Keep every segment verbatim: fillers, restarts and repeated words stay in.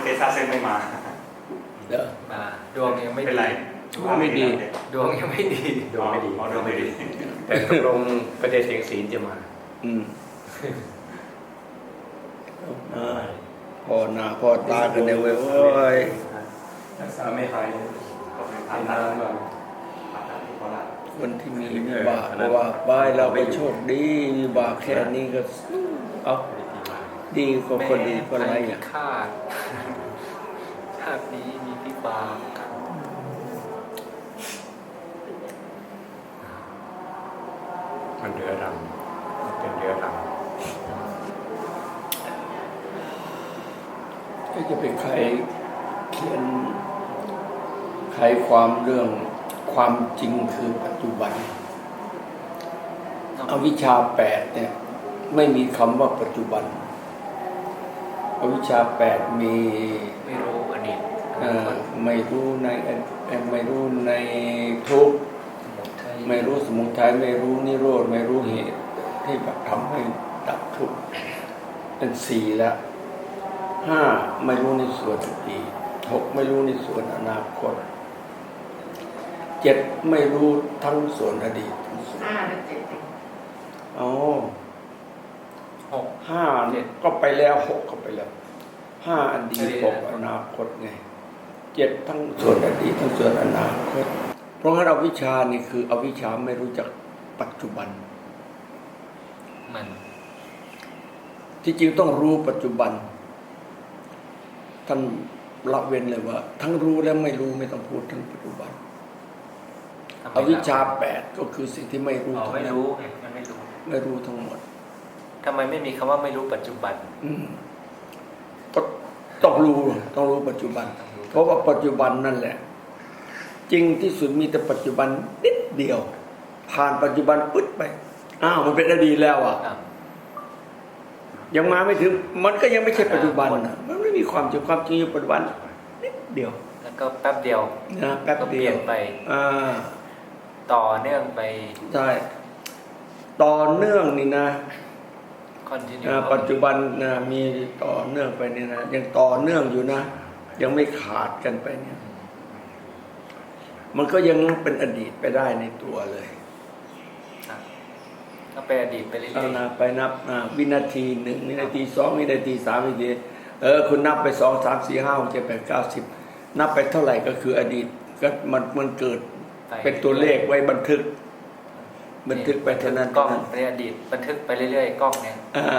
เทสซาเซนไม่มาเด้อดวงยังไม่เป็นไรดวงไม่ดีดวงยังไม่ดีดวงไม่ดีดวงไม่ดีแต่ตกลงประเด็นเสียงศีลจะมาอืมพ่อหน้าพ่อตากันเนี่ยเว้ยโอ้ยรักษาไม่หายก็เป็นผ่านนานมาผ่าตัดที่โคราชคนที่มีวิบากเพราะว่าบายเราไปโชคดีวิบากแค่นี้ก็เอาดีกว่าคนดีคนไรอ่ะคาดชาตินี้มีวิบากมันเดือดรังเป็นเดือดรังจะเป็นใครเขียนใครความเรื่องความจริงคือปัจจุบันอวิชชาแปดเนี่ยไม่มีคำว่าปัจจุบันอวิชชาแปดมีไม่รู้อดีตไม่รู้ในไม่รู้ในทุกข์ไม่รู้สมุทัยไม่รู้นิโรธไม่รู้เหตุที่แบบทำให้ดับทุกข์เป็นสี่แล้วห้าไม่รู้ในส่วนอดีตหกไม่รู้ในส่วนอนาคตเจ็ดไม่รู้ทั้งส่วนอดีตทั้งส่วนห้าและเจ็ดอ๋อหกห้าเนี่ยก็ไปแล้วหกก็ไปแล้วห้าอดีตหกอนาคตไงเจ็ดทั้งส่วนอดีตทั้งส่วนอนาคตเพราะงั้นอวิชชานี่คืออวิชชาไม่รู้จักปัจจุบันมันที่จริงต้องรู้ปัจจุบันท่านละเว้นเลยว่าทั้งรู้และไม่รู้ไม่ต้องพูดถึงปัจจุบันอวิชชาแปดก็คือสิ่งที่ไม่รู้ทั้งนั้นไม่รู้มันไม่รู้ไม่รู้ทั้งหมดทำไมไม่มีคำว่าไม่รู้ปัจจุบันอืมก็ต้องรู้ต้องรู้ปัจจุบันเพราะว่าปัจจุบันนั่นแหละจริงที่สุดมีแต่ปัจจุบันนิดเดียวผ่านปัจจุบันปึ๊ดไปอ้าวมันเป็นอดีตแล้วอ่ะยังมาไม่ถึงมันก็ยังไม่ใช่ปัจจุบันนะมันไม่มีความจริงความจริงอยู่ปัจจุบันนิดเดียวแล้วก็แป๊บเดียวนะแป๊บเดียวไปอ่าต่อเนื่องไปใช่ต่อเนื่องนี่นะปัจจุบันนะมีต่อเนื่องไปนี่นะยังต่อเนื่องอยู่นะยังไม่ขาดกันไปเนี่ยมันก็ยังเป็นอดีตไปได้ในตัวเลยก็เป็นอดีตไปเรื่อยๆไปนับวินาทีหนึ่งวินาทีสองวินาทีสามวินาทีเออคุณนับไปสองสามสี่ห้าหกเจ็ดแปดเก้าสิบนับไปเท่าไหร่ก็คืออดีตก็มันมันเกิดเป็นตัวเลขไว้บันทึกบันทึกไปเท่านั้นกล้องในอดีตบันทึกไปเรื่อยๆกล้องเนี่ย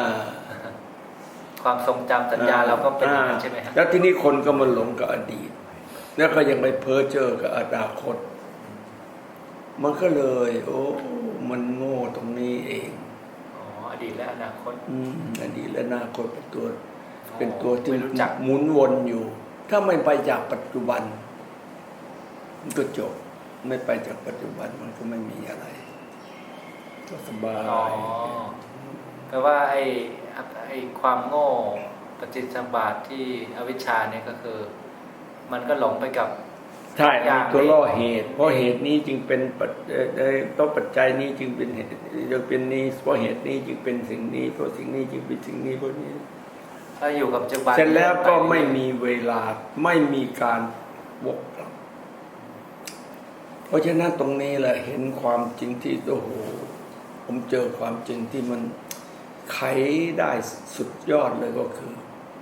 ความทรงจำสัญญาเราก็เป็นอย่างนั้นใช่ไหมครับแล้วที่นี้คนก็มาหลงกับอดีตแล้วก็ยังไปเพ้อเจ้อกับอนาคตมันก็เลยโอ้มันโง่ตรงนี้เองอ๋ออดีตและอนาคตอืมอดีตและอนาคตเป็นตัวเป็นตัวที่หมุนวนอยู่ถ้าไม่ไปจากปัจจุบันมันก็จบไม่ไปจากปัจจุบันมันก็ไม่มีอะไรก็สบายอ๋อแปลว่าไอ้ไอ้ความโง่ปฏิจจสมบาทที่อวิชชาเนี่ยก็คือมันก็หลงไปกับใช่ตัวล่อเหตุเพราะเหตุนี้จึงเป็นปัจต้องปัจจัยนี้จึงเป็นเหตุจึงเป็นนี้เพราะเหตุนี้จึงเป็นสิ่งนี้เพราะสิ่งนี้จึงเป็นสิ่งนี้เพราะนี้ถ้าอยู่กับปัจจุบันเสร็จแล้วก็ไม่มีเวลาไม่มีการวกกลับเพราะฉะนั้นตรงนี้แหละเห็นความจริงที่โอ้โหผมเจอความจริงที่มันไขได้สุดยอดเลยก็คือ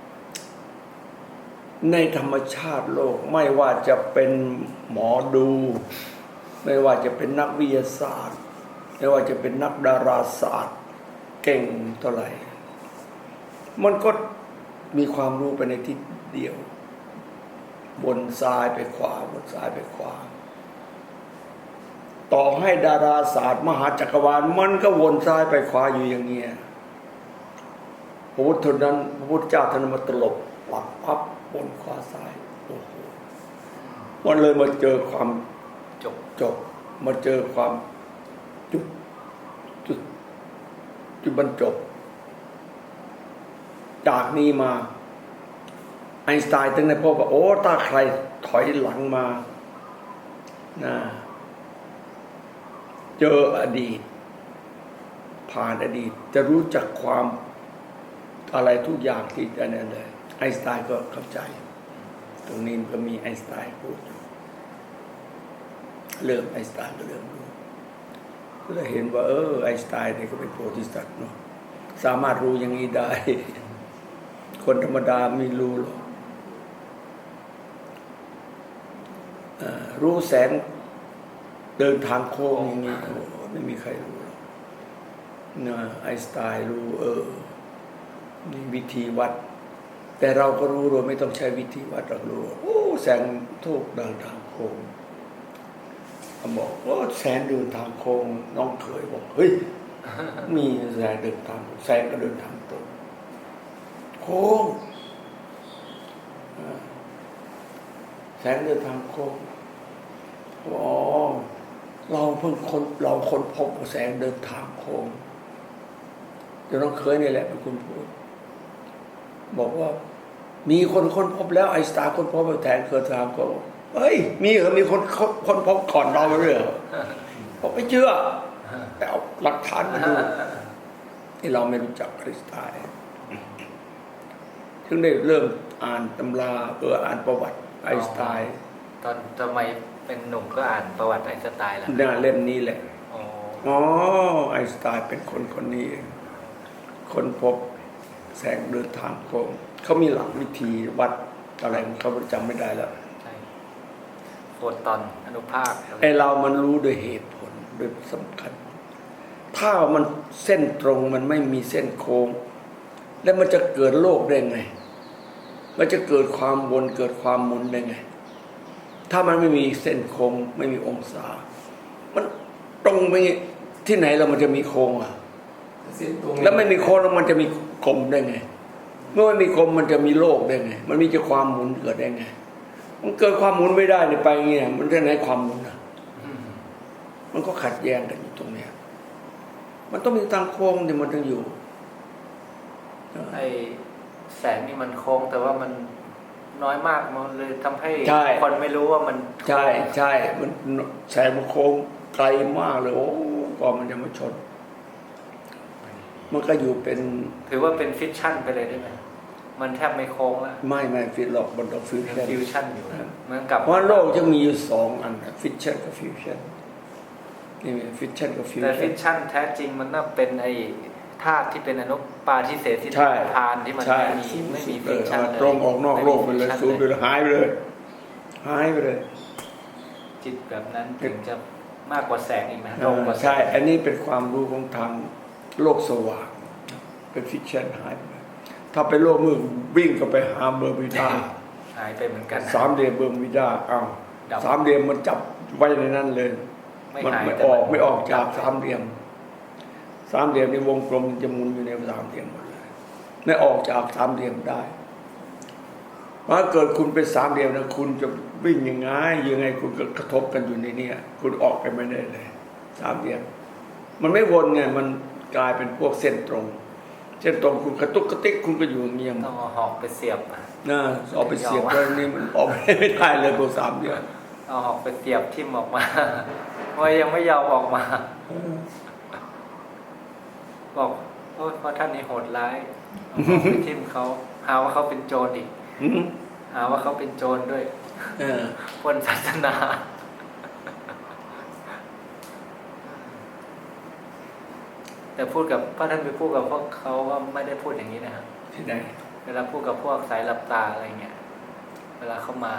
ในธรรมชาติโลกไม่ว่าจะเป็นหมอดูไม่ว่าจะเป็นนักวิทยาศาสตร์ไม่ว่าจะเป็นนักดาราศาสตร์เก่งเท่าไหร่มันก็มีความรู้ไปในทิศเดียวบนซ้ายไปขวาบนซ้ายไปขวาต่อให้ดาราศาสตร์มหาจักรวาลมันก็วนซ้ายไปขวาอยู่อย่างเงี้ยพระพุทธนั้นพระพุทธเจ้าท่านมาตลบหลักพับบนขวาซ้ายโอ้โหมันเลยมาเจอความจบจบมาเจอความจุดจุดจุดบรรจบจากนี้มาไอน์สไตน์ถึงได้พบว่าโอ้ถ้าใครถอยหลังมานะเจออดีตผ่านอดีตจะรู้จักความอะไรทุกอย่างที่อันนั้นเลยไอน์สไตน์ก็เข้าใจตรงนี้ก็มีไอน์สไตน์พูดอยู่เริ่มไอน์สไตน์ก็เริ่มรู้ก็เลยเห็นว่าเออไอน์สไตน์เนี่ยก็เป็นโพธิสัตว์เนาะสามารถรู้อย่างนี้ได้ คนธรรมดาไม่รู้หรอกรู้แสงเดินทางโค้งอย่างนี้โอ้ไม่มีใครรู้หรอกนะไอน์สไตน์รู้เออมีวิธีวัดแต่เราก็รู้โดยไม่ต้องใช้วิธีวัดเรารู้โอ้แสงทูกเดินทางโค้งเขาบอกว่าแสงเดินทางโค้งน้องเคยบอกเฮ้ยมีแสงเดินทางแสงก็เดินทางตรงโค้งแสงเดินทางโค้งอ๋อเราเพิ่งคนเราคนพบแสงเดินทางโค้งเดี๋ยวน้องเคยนี่แหละเป็นคนพูดบอกว่ามีคนค้นพบแล้วไอน์สไตน์ค้นพบแทนเกิดทางโค้งเฮ้ยมีเหรอมีคนค้นพบก่อนเราเลยเหรอผมไม่เชื่อแต่เอาหลักฐานมาดูที่เราไม่รู้จักไอน์สไตน์ถึงได้เริ่มอ่านตำราเอออ่านประวัติไอน์สไตน์ตอนสมัยเป็นหนุ่มก็อ่านประวัติไอน์สไตน์แล้วเนี่ยเล่มนี้แหละอ๋ออ๋อไอน์สไตน์เป็นคนคนนี้เองคนพบแสงเดินทางโค้งเขามีหลักวิธีวัดอะไรเขาจำไม่ได้แล้วใช่โฟตอนอนุภาคไอเรามันรู้โดยเหตุผลโดยสำคัญถ้ามันเส้นตรงมันไม่มีเส้นโค้งแล้วมันจะเกิดโลกได้ไงมันจะเกิดความวนเกิดความหมุนได้ไงถ้ามันไม่มีเส้นโค้งไม่มีองศามันตรงไปที่ไหนเรามันจะมีโค้งอ่ะแล้วไม่มีโค้งแล้วมันจะมีกลมได้ไงเมื่อไม่มีกลมมันจะมีโลกได้ไงมันมีจะความหมุนเกิดได้ไงมันเกิดความหมุนไม่ได้เนี่ยไปเงี้ยมันจะไหนความหมุนอ่ะมันก็ขัดแย้งกันอยู่ตรงเนี้ยมันต้องมีทางโค้งที่มันต้องอยู่ไอแสงนี่มันโค้งแต่ว่ามันน้อยมากมันเลยทำให้คนไม่รู้ว่ามันใช่ใช่มันแสงมันโค้งไกลมากเลยโอ้ก่อนมันจะมาชนมันก็อยู่เป็นถือว่าเป็นฟิชชั่นไปเลยได้ไหมมันแทบไม่โค้งแล้วไม่ไม่ฟิชหรอกมันต้องฟิวชั่นฟิวชั่นอยู่เหมือนกับเพราะโลกจะมีอยู่สองอันฟิชชั่นกับฟิวชั่นนี่ฟิชชั่นกับฟิวชั่นแต่ฟิชชั่นแท้จริงมันน่าเป็นไอธาตุที่เป็นอนุปาทิเสสที่ทานที่มันไม่มีไม่มีฟิชชั่นเลยตรงออกนอกโลกไปเลยสูญไปเลยหายไปเลยหายไปเลยจิตแบบนั้นถึงจะมากกว่าแสงอีกนะตรงกว่าใช่อันนี้เป็นความรู้ของทางโลกสว่างเป็นฟิชชั่นหายไปถ้าไปโลกมืดวิ่งก็ไปหาเบอร์มิดาหายไปเหมือนกันสามเหลี่ยมเบอร์มิดาอ้าวสามเหลี่ยมมันจับไว้ในนั้นเลยมันไม่ออกไม่ออกจากสามเหลี่ยมสามเหลี่ยมในวงกลมจะหมุนอยู่ในสามเหลี่ยมหมดเลยไม่ออกจากสามเหลี่ยมได้เพราะเกิดคุณเป็นสามเหลี่ยมนะคุณจะวิ่งยังไงยังไงคุณก็กระทบกันอยู่ในนี้คุณออกไปไม่ได้เลยสามเหลี่ยมมันไม่วนไงมันกลายเป็นพวกเส้นตรงเส้นตรงคุณกระตุกกระติกคุณก็อยู่เงียบต้องเอาหอกไปเสียบนะเอาไปเสียบแล้วนี่มันออกไม่ได้เลยตัวสามเหลี่ยมเอาหอกไปเสียบทิ่มออกมาว่ายังไม่ยอมออกมาบอกโอ้เพราะท่านนี่โหดร้ายไปทิ่มเขาหาว่าเขาเป็นโจรอีกหาว่าเขาเป็นโจรด้วยปล้นศาสนาแต่พูดกับพระท่านไปพูดกับพวกเขาว่าไม่ได้พูดอย่างนี้นะครับที่ไหนเวลาพูดกับพวกสายหลับตาอะไรเงี้ยเวลาเขามา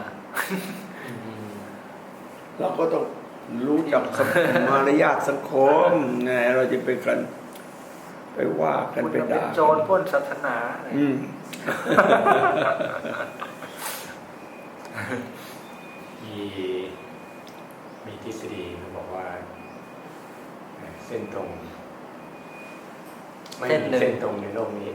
เราก็ต้องรู้จักมารยาทสังคมไงเราจะไปกันไปว่ากันไปด่าโจรปล้นศาสนาอืมมีมีทฤษฎีเขาบอกว่าเส้นตรงไม่มีเส้นตรงในโลกนี้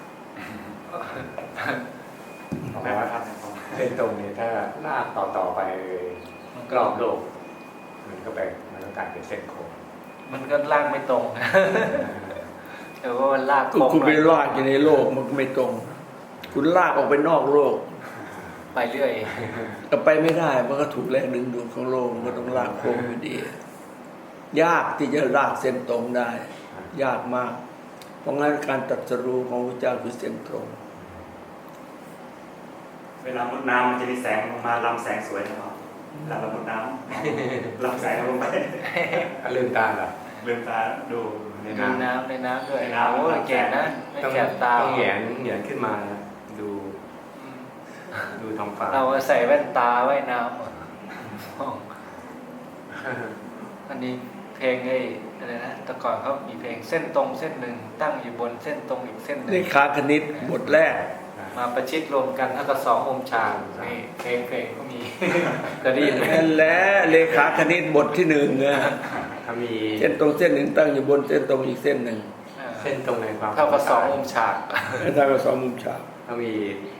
แปลว่าเส้นตรงนี้ถ้าลากต่อต่อไปกรอบโลกมันก็ไปมันก็กลายเป็นเส้นโค้งมันก็ลากไม่ตรงแต่ว่ามันลากโค้งคุณไปลากอยู่ในโลกมันไม่ตรงคุณลากออกไปนอกโลกไปเรื่อยแต่ไปไม่ได้มันก็ถูกแรงดึงดูดของโลกมันก็ต้องลากโค้งอยู่ดียากที่จะลากเส้นตรงได้ยากมากเพราะงั้นการตรัสรู้ของพระเจ้าคือเส้นตรงเวลามุดน้ำมันจะมีแสงลงมาลำแสงสวยนะครับเวลาเรามุดน้ำลำแสงลงไปลืมตาเหรอลืมตาดูในในน้ำน้ำในน้ำด้วยในน้ำโอ้ยเก่งนะไม่ต้องแสบตาต้องแหงนแหงนขึ้นมาดูอืมดูท้องฟ้าเราใส่แว่นตาไว้น้ำอันนี้เพลงไอ้อะไรนะแต่ก่อนเขามีเพลงเส้นตรงเส้นหนึ่งตั้งอยู่บนเส้นตรงอีกเส้นหนึ่เลงขาคณิตบทแรกมาประชิดรวมกันเท่ากับสององค์ฌานนี่เพลงเพลงก็มี เคยได้ยินไหมนั่นแหละเลขาคณิตบทที่หนึ่งนะถ้ามีเส้นตรงเส้นหนึ่งตั้งอยู่บนเส้นตรงอีกเส้นหนึ่งเส้นตรงในความเท่ากับสององค์ฌานแล้วถ้าก็สองมุมฉากถ้ามี